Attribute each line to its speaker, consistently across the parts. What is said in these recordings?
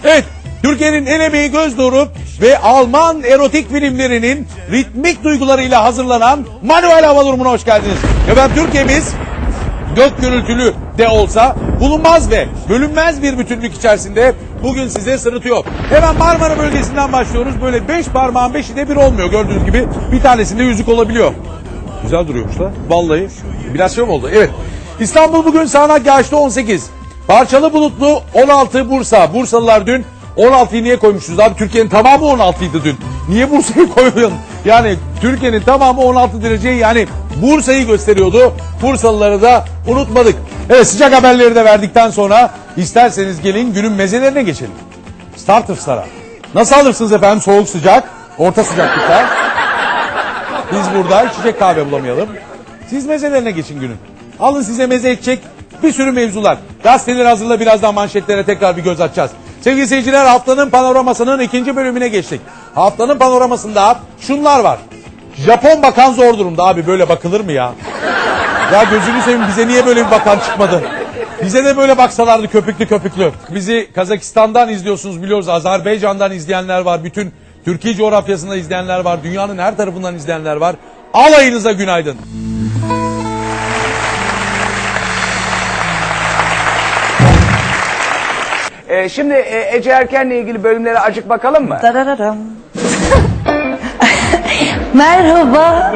Speaker 1: Evet, Türkiye'nin el emeği göz nuru ve Alman erotik filmlerinin ritmik duygularıyla hazırlanan Manuel Hava Durumu'na hoş geldiniz. Efendim Türkiye'miz gök gürültülü de olsa bulunmaz ve bölünmez bir bütünlük içerisinde bugün size sırıtıyor. Hemen Marmara bölgesinden başlıyoruz. Böyle 5 parmağın 5'i de bir olmuyor gördüğünüz gibi. Bir tanesinde yüzük olabiliyor. Güzel duruyormuş da. Vallahi biraz şey oldu. Evet. İstanbul bugün sağanak yağışlı 18. Parçalı bulutlu 16 Bursa. Bursalılar dün 16'yı niye koymuşuz abi? Türkiye'nin tamamı 16'ydı dün. Niye Bursa'yı koyuyorsun? Yani Türkiye'nin tamamı 16 derece, yani Bursa'yı gösteriyordu. Bursalıları da unutmadık. Evet, sıcak haberleri de verdikten sonra isterseniz gelin günün mezelerine geçelim. Starters'lara. Nasıl alırsınız efendim? Soğuk sıcak, orta sıcaklıkta. Biz burada içecek kahve bulamayalım. Siz mezelerine geçin günün. Alın size meze edecek bir sürü mevzular. Gazeteleri hazırla, birazdan manşetlere tekrar bir göz atacağız. Sevgili seyirciler, haftanın panoramasının ikinci bölümüne geçtik. Haftanın panoramasında şunlar var. Japon bakan zor durumda abi, böyle bakılır mı ya? Ya gözünü seveyim, bize niye böyle bir bakan çıkmadı? Bize de böyle baksalardı köpüklü köpüklü. Bizi Kazakistan'dan izliyorsunuz biliyoruz. Azerbaycan'dan izleyenler var. Bütün Türkiye coğrafyasında izleyenler var. Dünyanın her tarafından izleyenler var. Alayınıza günaydın.
Speaker 2: Şimdi Ece Erken'le ilgili bölümlere acık bakalım mı?
Speaker 3: Darararam. Merhaba.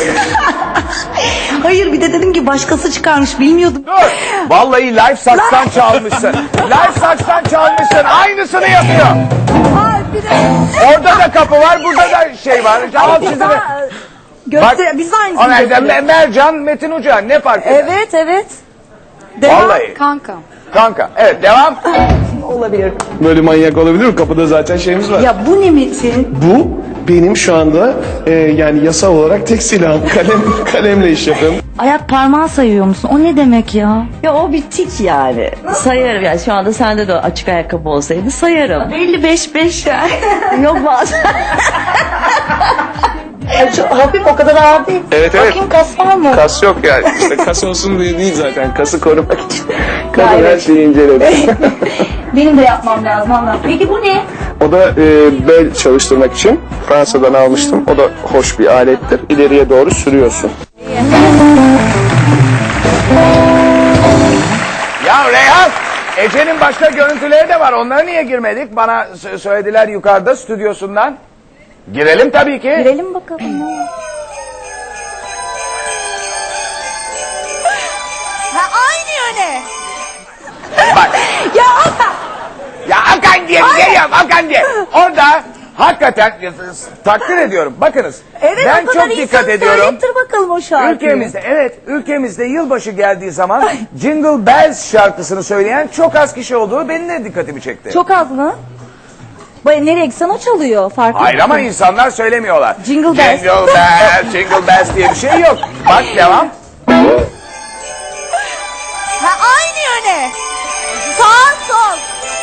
Speaker 3: Hayır, bir de dedim ki başkası çıkarmış, bilmiyordum.
Speaker 2: Dur. Vallahi Life Saç'tan çalmışsın. Life Saç'tan çalmışsın. Aynısını yapıyor.
Speaker 3: Ay, bir de...
Speaker 2: Orada da kapı var, burada da şey var. Al sizi de.
Speaker 3: Biz de aynısını
Speaker 2: yapıyoruz. Mercan, Metin Uca, ne fark eder?
Speaker 3: Evet, evet. Devam.
Speaker 2: Vallahi.
Speaker 3: Kanka.
Speaker 2: Evet, devam.
Speaker 3: Olabilir.
Speaker 4: Böyle manyak olabilir mi? Kapıda zaten şeyimiz var.
Speaker 3: Ya bu ne Metin?
Speaker 4: Bu benim şu anda yani yasal olarak tek silahım. Kalemle iş yapıyorum.
Speaker 3: Ayak parmağı sayıyor musun? O ne demek ya? Ya o bir tik yani. Sayarım yani, şu anda sende de açık ayakkabı olsaydı sayarım. 55 yani. Yok bazen. Hafif, o kadar ağır değil.
Speaker 4: Evet.
Speaker 3: Bakayım, kas var mı?
Speaker 4: Kas yok yani. İşte kas olsun diye değil zaten. Kası korumak için. Kadın
Speaker 3: Gayret.
Speaker 4: her şeyi inceledi.
Speaker 3: Benim de yapmam lazım ama. Peki bu ne?
Speaker 4: O da bel çalıştırmak için Fransa'dan almıştım. O da hoş bir alettir. İleriye doğru sürüyorsun.
Speaker 2: Ya Reyhan, Ece'nin başka görüntüleri de var. Onlara niye girmedik? Bana söylediler yukarıda stüdyosundan. Girelim tabii ki.
Speaker 3: Girelim bakalım. Ha, aynı yöne.
Speaker 2: Bak.
Speaker 3: Ya Hakan.
Speaker 2: Ya Hakan diye geliyorum, Hakan diye. Orada hakikaten takdir ediyorum. Bakınız.
Speaker 3: Evet,
Speaker 2: ben
Speaker 3: o kadar
Speaker 2: çok dikkat
Speaker 3: insan
Speaker 2: ediyorum.
Speaker 3: söylettir bakalım o şarkıyı.
Speaker 2: Ülkemizde yılbaşı geldiği zaman Jingle Bells şarkısını söyleyen çok az kişi olduğu benim de dikkatimi çekti.
Speaker 3: Çok az mı? Nereye gitsen o çalıyor, farklı.
Speaker 2: Hayır ama insanlar söylemiyorlar.
Speaker 3: Jingle Bells.
Speaker 2: Jingle Bells, Jingle Bells diye bir şey yok. Bak devam.
Speaker 3: Ha, aynı yöne. Sağ sol.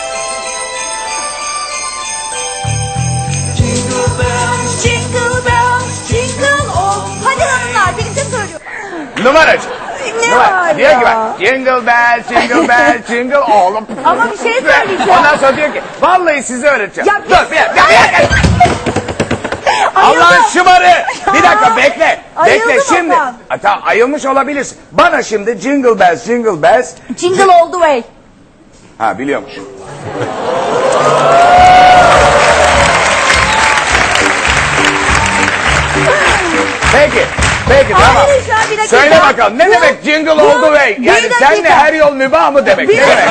Speaker 3: Jingle bells, jingle all. Hadi hanımlar, birlikte söylüyor.
Speaker 2: Numaracı.
Speaker 3: Ne var
Speaker 2: Diyor ki
Speaker 3: ya?
Speaker 2: bak, Jingle Bells, Jingle Bells, Jingle all.
Speaker 3: Ama bir şey söyleyeceğim.
Speaker 2: Ondan sonra diyor ki, vallahi size öğreteceğim.
Speaker 3: Ya
Speaker 2: Dur bir dakika. Allah'ın şımarı. Bir dakika bekle.
Speaker 3: Ayıldı
Speaker 2: Bekle şimdi.
Speaker 3: bakalım.
Speaker 2: Hatta ayılmış olabilirsin. Bana şimdi Jingle Bells, Jingle Bells.
Speaker 3: Jingle all the way.
Speaker 2: Ha biliyormuş. Peki tamam.
Speaker 3: Hayır, şu an bir dakika.
Speaker 2: Söyle bakalım ne
Speaker 3: Bu-
Speaker 2: demek Jingle all the way?
Speaker 3: Bir
Speaker 2: Yani
Speaker 3: dakika.
Speaker 2: senle her yol mübah mı demek?
Speaker 3: Bir
Speaker 2: Ne demek?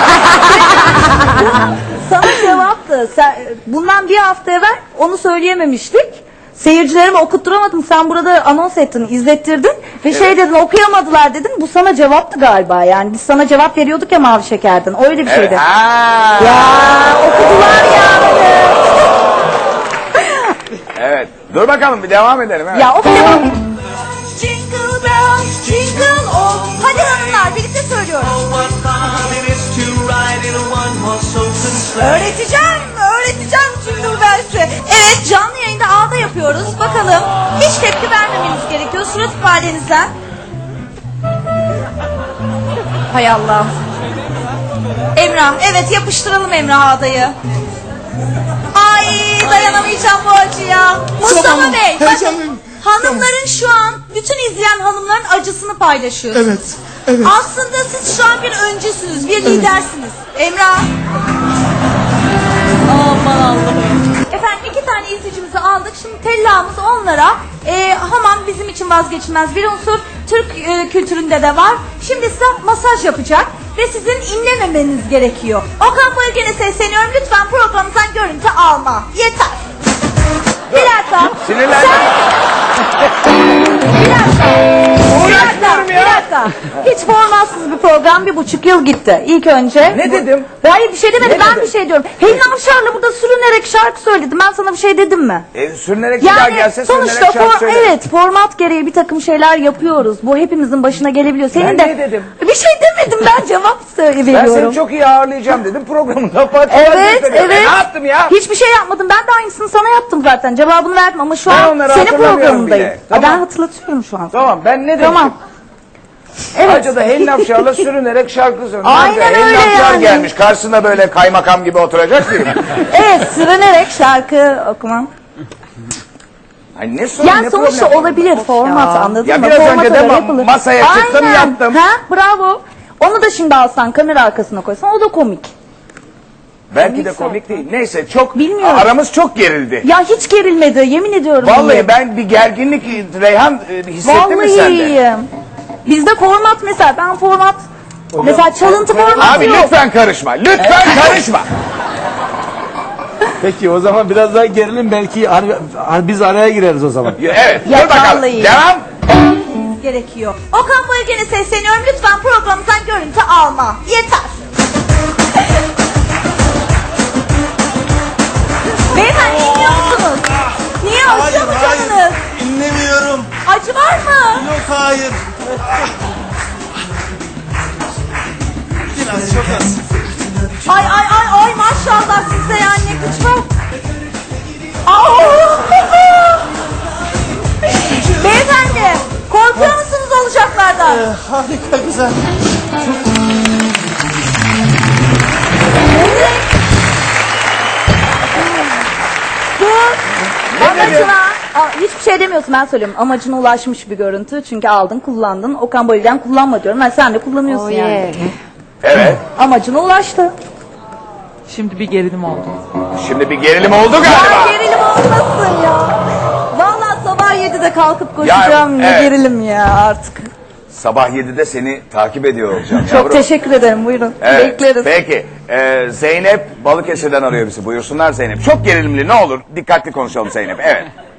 Speaker 3: Sana cevaptı. Bundan bir hafta evvel onu söyleyememiştik. Seyircilerime okutturamadım. Sen burada anons ettin, izlettirdin. Ve şey dedin, okuyamadılar dedin. Bu sana cevaptı galiba yani. Biz sana cevap veriyorduk ya Mavi Şeker'den. Öyle bir şeydi.
Speaker 2: Ha.
Speaker 3: Ya okudular ya.
Speaker 2: Evet. Dur bakalım bir devam edelim. Evet.
Speaker 3: Ya okuyamam. Jingle bells, jingle all. Hadi hanımlar, birlikte söylüyoruz. Öğreteceğim Jingle Bells'i. Evet, canlı yayında ağda yapıyoruz. Bakalım, hiç tepki vermemeniz gerekiyor. Surat ifadenizden. Hay Allah. Emrah, evet yapıştıralım Emrah adayı. Ay dayanamayacağım bu acıya. Mustafa
Speaker 5: Tamam,
Speaker 3: Bey, bakın
Speaker 5: heyecanlıyım.
Speaker 3: hanımların şu an, bütün izleyen hanımların acısını paylaşıyorsunuz.
Speaker 5: Evet, evet.
Speaker 3: Aslında siz şu an bir öncüsünüz, bir lidersiniz. Emrah. Aman Allah'ım. Efendim 2 tane izleyicimizi aldık. Şimdi tellamız onlara. Hamam bizim için vazgeçilmez bir unsur. Türk kültüründe de var. Şimdi size masaj yapacak ve sizin inlememeniz gerekiyor. Okan Bayülgen'e sesleniyorum. Lütfen programımızdan görüntü alma. Yeter. Bir dakika.
Speaker 2: Sinirlendim.
Speaker 3: Bir
Speaker 2: Uğraşmıyorum ya.
Speaker 3: dakika. Hiç formatsız bir program 1,5 yıl gitti. İlk önce.
Speaker 2: Ne dedim?
Speaker 3: Hayır bir şey demedim.
Speaker 2: Ne
Speaker 3: Ben
Speaker 2: dedim?
Speaker 3: bir şey diyorum. Helin Avşar'la burada sürünerek şarkı söyledim. Ben sana bir şey dedim mi?
Speaker 2: Sürünerek bir daha
Speaker 3: Yani
Speaker 2: gelse
Speaker 3: sonuçta
Speaker 2: sürünerek şarkı söylerim.
Speaker 3: evet format gereği bir takım şeyler yapıyoruz. Bu hepimizin başına gelebiliyor. Senin
Speaker 2: Ben
Speaker 3: de
Speaker 2: ne dedim?
Speaker 3: Bir şey demedim, ben cevap
Speaker 2: Ben
Speaker 3: veriyorum.
Speaker 2: seni çok iyi ağırlayacağım dedim. Programında
Speaker 3: Evet, evet.
Speaker 2: Ne yaptım ya?
Speaker 3: Hiçbir şey yapmadım. Ben de aynısını sana yaptım zaten. Cevabını verdim ama şu
Speaker 2: Ben
Speaker 3: an
Speaker 2: onları
Speaker 3: senin
Speaker 2: hatırlamıyorum
Speaker 3: programındayım.
Speaker 2: bile.
Speaker 3: Ben
Speaker 2: Tamam.
Speaker 3: hatırlatıyorum şu an.
Speaker 2: Tamam ben ne dedim?
Speaker 3: Tamam. Evet.
Speaker 2: Acıda Helin Afşar'la sürünerek şarkı söylüyor.
Speaker 3: Aynen
Speaker 2: Helin
Speaker 3: öyle
Speaker 2: Afşar
Speaker 3: yani.
Speaker 2: gelmiş. Karşısında böyle kaymakam gibi oturacak mıyım?
Speaker 3: Evet, sürünerek şarkı okumam.
Speaker 2: Ay ne sorun
Speaker 3: Yani
Speaker 2: ne
Speaker 3: sonuçta
Speaker 2: problem?
Speaker 3: olabilir format, anladın
Speaker 2: Ya
Speaker 3: mı?
Speaker 2: biraz
Speaker 3: Format
Speaker 2: önce de
Speaker 3: öyle yapılır.
Speaker 2: masaya çıktım,
Speaker 3: Aynen.
Speaker 2: yaptım.
Speaker 3: Ha, bravo. Onu da şimdi alsan, kamera arkasına koysan o da komik.
Speaker 2: Belki de komik değil. Neyse çok
Speaker 3: Bilmiyorum.
Speaker 2: aramız çok gerildi.
Speaker 3: Ya hiç gerilmedi, yemin ediyorum.
Speaker 2: Vallahi ben bir gerginlik Reyhan hissettin mi sen de?
Speaker 3: Vallahi. Bizde format mesela, ben format mesela çalıntı formatı
Speaker 2: Abi
Speaker 3: yok.
Speaker 2: lütfen karışma. Lütfen karışma.
Speaker 6: Peki o zaman biraz daha gerilim belki biz araya gireriz o zaman.
Speaker 2: Evet.
Speaker 3: Ya
Speaker 2: Dur bakalım.
Speaker 3: vallahi.
Speaker 2: Devam.
Speaker 3: Gerekiyor. Okan Bayülgen'e sesleniyorum. Lütfen programımızdan görüntü alma. Yeter. Beyefendi inliyor musunuz? Niye acıyor mu canınız?
Speaker 5: İnlemiyorum.
Speaker 3: Acı var mı?
Speaker 5: Yok hayır. Biraz çok az.
Speaker 3: Ay ay ay ay maşallah size yani ne güç var. Aa! Beyefendi korkuyor musunuz olacaklardan?
Speaker 5: Harika güzel.
Speaker 3: Dur.
Speaker 2: Ne
Speaker 3: Amacına, hiçbir şey demiyorsun, ben söylüyorum. Amacına ulaşmış bir görüntü çünkü aldın kullandın. Okan Bayülgen kullanma diyorum. Ben sen de kullanıyorsun yani.
Speaker 2: Evet.
Speaker 3: Amacına ulaştı.
Speaker 7: Şimdi bir gerilim oldu.
Speaker 2: Şimdi bir gerilim oldu
Speaker 3: Ya
Speaker 2: galiba.
Speaker 3: gerilim olmasın ya. Vallahi sabah 7'de kalkıp koşacağım.
Speaker 2: Ya,
Speaker 3: Ne
Speaker 2: evet.
Speaker 3: gerilim ya artık.
Speaker 2: Sabah 7'de seni takip ediyor olacağım.
Speaker 3: Çok
Speaker 2: yavrum.
Speaker 3: teşekkür ederim, buyurun.
Speaker 2: Evet,
Speaker 3: Bekleriz.
Speaker 2: Peki. Zeynep Balıkesir'den arıyor bizi. Buyursunlar Zeynep. Çok gerilimli, ne olur. Dikkatli konuşalım Zeynep. Evet.